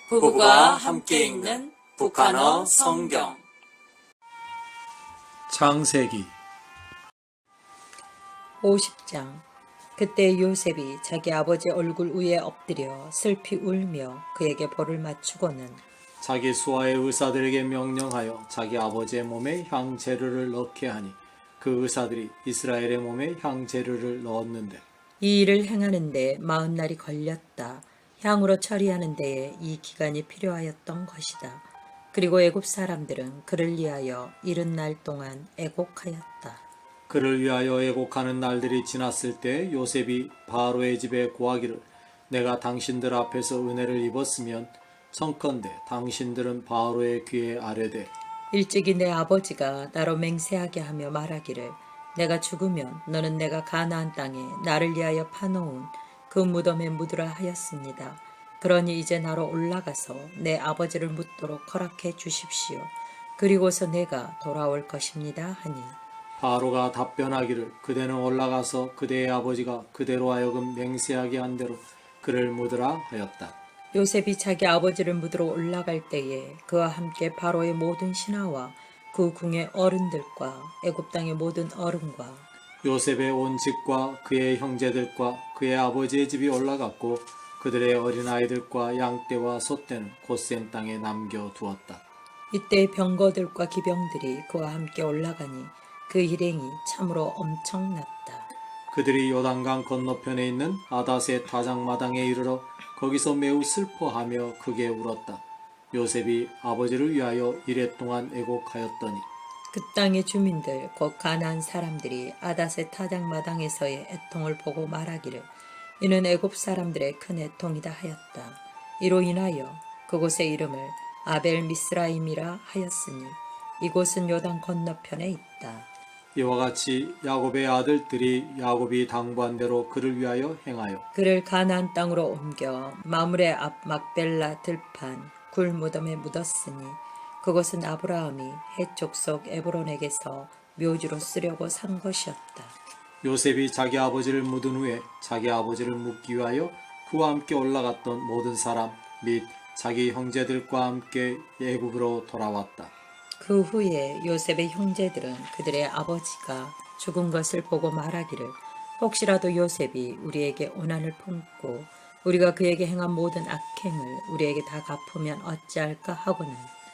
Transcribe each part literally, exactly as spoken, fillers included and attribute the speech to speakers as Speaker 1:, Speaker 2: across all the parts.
Speaker 1: 부부가 함께 읽는 북한어 성경.
Speaker 2: 창세기
Speaker 3: 오십 장. 그때 요셉이 자기 아버지 얼굴 위에 엎드려 슬피 울며 그에게 벌을 맞추고는
Speaker 2: 자기 수하의 의사들에게 명령하여 자기 아버지의 몸에 향재료를 넣게 하니 그 의사들이 이스라엘의 몸에 향재료를 넣었는데
Speaker 3: 이 일을 행하는데 마흔 날이 걸렸다. 향으로 처리하는 데에 이 기간이 필요하였던 것이다. 그리고 애굽 사람들은 그를 위하여 이른 날 동안 애곡하였다.
Speaker 2: 그를 위하여 애곡하는 날들이 지났을 때 요셉이 바로의 집에 고하기를 내가 당신들 앞에서 은혜를 입었으면 청컨대 당신들은 바로의 귀에 아뢰되
Speaker 3: 일찍이 내 아버지가 나로 맹세하게 하며 말하기를 내가 죽으면 너는 내가 가나안 땅에 나를 위하여 파놓은 그 무덤에 묻으라 하였습니다. 그러니 이제 나로 올라가서 내 아버지를 묻도록 허락해 주십시오. 그리고서 내가 돌아올 것입니다 하니
Speaker 2: 바로가 답변하기를 그대는 올라가서 그대의 아버지가 그대로 하여금 맹세하게 한 대로 그를 묻으라 하였다.
Speaker 3: 요셉이 자기 아버지를 묻으러 올라갈 때에 그와 함께 바로의 모든 신하와 그 궁의 어른들과 애굽 땅의 모든 어른과
Speaker 2: 요셉의 온 집과 그의 형제들과 그의 아버지의 집이 올라갔고 그들의 어린아이들과 양떼와 소떼는 고센 땅에 남겨두었다.
Speaker 3: 이때 병거들과 기병들이 그와 함께 올라가니 그 일행이 참으로 엄청났다.
Speaker 2: 그들이 요단강 건너편에 있는 아닷의 타작마당에 이르러 거기서 매우 슬퍼하며 크게 울었다. 요셉이 아버지를 위하여 이랫동안 애곡하였더니
Speaker 3: 그 땅의 주민들 곧 가나안 사람들이 아닷의 타작마당에서의 애통을 보고 말하기를 이는 애굽 사람들의 큰 애통이다 하였다. 이로 인하여 그곳의 이름을 아벨 미스라임이라 하였으니 이곳은 요단 건너편에 있다.
Speaker 2: 이와 같이 야곱의 아들들이 야곱이 당부한 대로 그를 위하여 행하여
Speaker 3: 그를 가나안 땅으로 옮겨 마므레 앞 막벨라 들판 굴 무덤에 묻었으니 그것은 아브라함이 헷 족속 에브론에게서 묘지로 쓰려고 산 것이었다.
Speaker 2: 요셉이 자기 아버지를 묻은 후에 자기 아버지를 묻기 위하여 그와 함께 올라갔던 모든 사람 및 자기 형제들과 함께 애굽으로 돌아왔다.
Speaker 3: 그 후에 요셉의 형제들은 그들의 아버지가 죽은 것을 보고 말하기를 혹시라도 요셉이 우리에게 오난을 품고 우리가 그에게 행한 모든 악행을 우리에게 다 갚으면 어찌할까 하고는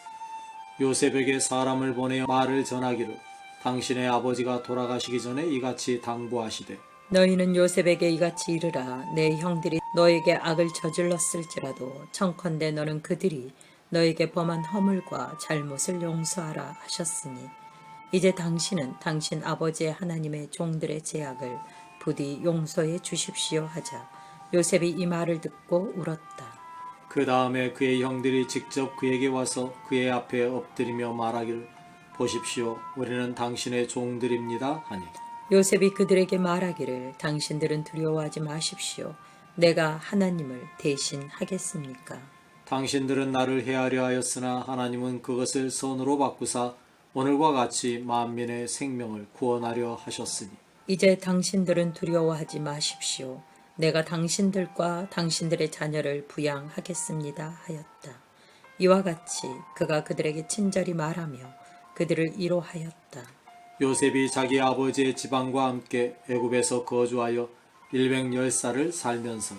Speaker 2: 요셉에게 사람을 보내어 말을 전하기를 당신의 아버지가 돌아가시기 전에 이같이 당부하시되
Speaker 3: 너희는 요셉에게 이같이 이르라 내 형들이 너에게 악을 저질렀을지라도 청컨대 너는 그들이 너에게 범한 허물과 잘못을 용서하라 하셨으니 이제 당신은 당신 아버지의 하나님의 종들의 죄악을 부디 용서해 주십시오 하자 요셉이 이 말을 듣고 울었다.
Speaker 2: 그 다음에 그의 형들이 직접 그에게 와서 그의 앞에 엎드리며 말하기를 보십시오 우리는 당신의 종들입니다 하니
Speaker 3: 요셉이 그들에게 말하기를 당신들은 두려워하지 마십시오. 내가 하나님을 대신 하겠습니까?
Speaker 2: 당신들은 나를 해하려 하였으나 하나님은 그것을 선으로 바꾸사 오늘과 같이 만민의 생명을 구원하려 하셨으니
Speaker 3: 이제 당신들은 두려워하지 마십시오. 내가 당신들과 당신들의 자녀를 부양하겠습니다 하였다. 이와 같이 그가 그들에게 친절히 말하며 그들을 위로하였다.
Speaker 2: 요셉이 자기 아버지의 지방과 함께 애굽에서 거주하여 일백십 살을 살면서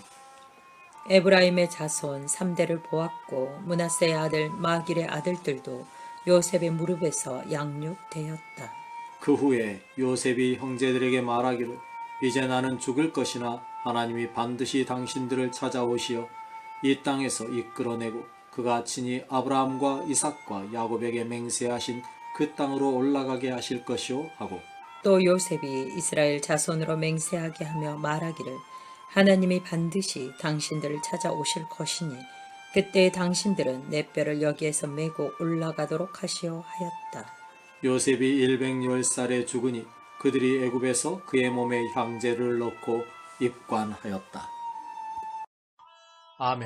Speaker 3: 에브라임의 자손 삼 대를 보았고 므낫세의 아들 마길의 아들들도 요셉의 무릎에서 양육되었다.
Speaker 2: 그 후에 요셉이 형제들에게 말하기를 이제 나는 죽을 것이나 하나님이 반드시 당신들을 찾아오시어 이 땅에서 이끌어내고 그가 친히 아브라함과 이삭과 야곱에게 맹세하신 그 땅으로 올라가게 하실 것이오 하고
Speaker 3: 또 요셉이 이스라엘 자손으로 맹세하게 하며 말하기를 하나님이 반드시 당신들을 찾아오실 것이니 그때 당신들은 내 뼈를 여기에서 메고 올라가도록 하시오 하였다.
Speaker 2: 요셉이 일백십 살에 죽으니 그들이 애굽에서 그의 몸에 향제를 넣고 입관하였다. 아멘.